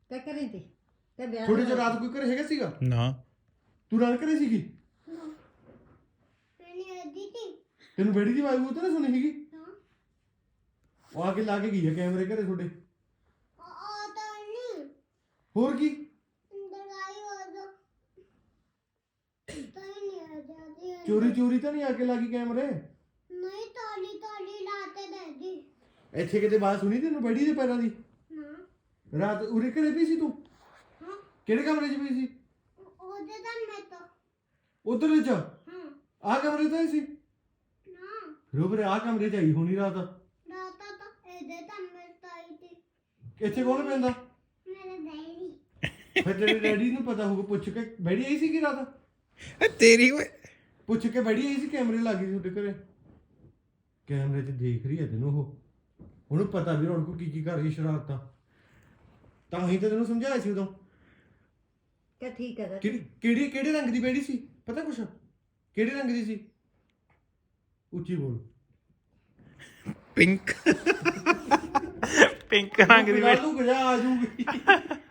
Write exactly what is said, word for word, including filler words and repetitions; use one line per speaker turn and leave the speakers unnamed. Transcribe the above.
ਕਿਆ ਕਰੀ ਤੀ ਤੇ ਵਿਆਹ
ਥੋੜੀ ਜਿਹੀ ਰਾਤ ਕੋਈ ਘਰੇ ਹੈਗਾ ਸੀਗਾ
ਨਾ
ਤੂੰ ਰਾਤ ਘਰੇ ਸੀਗੀ ਤੈਨੂੰ ਬੇੜੀ ਦੀ ਆਵਾਜ਼ ਉਹ ਤਾਂ ਨਾ ਸੁਣੀ ਸੀਗੀ ਉਹ ਆ ਕੇ ਲਾ ਕੇ ਗਈ ਆ ਕੈਮਰੇ ਘਰੇ ਤੁਹਾਡੇ ਹੋਰ ਕੀ ਚੋਰੀ ਚੋਰੀ ਤਾਂ ਨਹੀਂ ਆ ਕੇ ਲਾਗੀ ਕੈਮਰੇ
ਨਹੀਂ ਤਾਲੀ ਤਾਲੀ ਲਾਤੇ ਦਾਦੀ
ਇੱਥੇ ਕਿਤੇ ਬਾਤ ਸੁਣੀ ਤੈਨੂੰ ਬੈੜੀ ਦੇ ਪੈਰਾਂ ਦੀ
ਨਾ
ਰਾਤ ਉਰੇ ਘਰੇ ਪਈ ਸੀ ਤੂੰ
ਹਾਂ
ਕਿਹੜੇ ਕਮਰੇ 'ਚ ਪਈ ਸੀ
ਉਹਦੇ ਤਾਂ ਮੈਂ ਤਾਂ
ਉਧਰ ਵਿੱਚ
ਹਾਂ
ਆਹ ਕਮਰੇ 'ਚ ਆਈ ਸੀ
ਨਾ
ਰੋਬਰੇ ਆਹ ਕਮਰੇ 'ਚ ਆਈ ਹੋਣੀ ਰਾਤ
ਰਾਤਾ ਤਾਂ ਇਹਦੇ ਤਾਂ ਮੈਂ ਤਾਈ ਤੇ
ਇੱਥੇ ਕੌਣ ਪੈਂਦਾ
ਮੇਰੇ ਡੈਡੀ
ਫਿਰ ਤੇਰੇ ਡੈਡੀ ਨੂੰ ਪਤਾ ਹੋਊਗਾ ਪੁੱਛ ਕੇ ਬੈੜੀ ਆਈ ਸੀ ਕਿ ਰਾਤ
ਇਹ ਤੇਰੀ ਓਏ
ਪੁੱਛ ਕੇ ਬੈੜੀ ਆਈ ਸੀ ਕੈਮਰੇ ਲੱਗੀ ਸੀ ਤੁਹਾਡੇ ਘਰੇ ਕੈਮਰੇ 'ਚ ਦੇਖ ਰਹੀ ਹੈ ਤੈਨੂੰ ਉਹ ਉਹਨੂੰ ਪਤਾ ਵੀ ਹੁਣ ਕੋ ਕੀ ਕੀ ਕਰ ਰਹੀ ਸ਼ਰਾਰਤਾਂ ਤਾਂ ਹੀ ਤਾਂ ਤੈਨੂੰ ਸਮਝਾਇਆ ਸੀ ਉਦੋਂ
ਕਿ ਠੀਕ ਹੈ
ਕਿਹੜੀ ਕਿਹੜੀ ਕਿਹੜੇ ਰੰਗ ਦੀ ਬੈੜੀ ਸੀ ਪਤਾ ਕੁਛ ਕਿਹੜੇ ਰੰਗ ਦੀ ਸੀ ਉੱਚੀ ਬੋਲ
ਪਿੰਕ ਪਿੰਕ ਰੰਗ ਦੀ
ਤੂੰ ਗਜਾ ਆ ਜੂਗੀ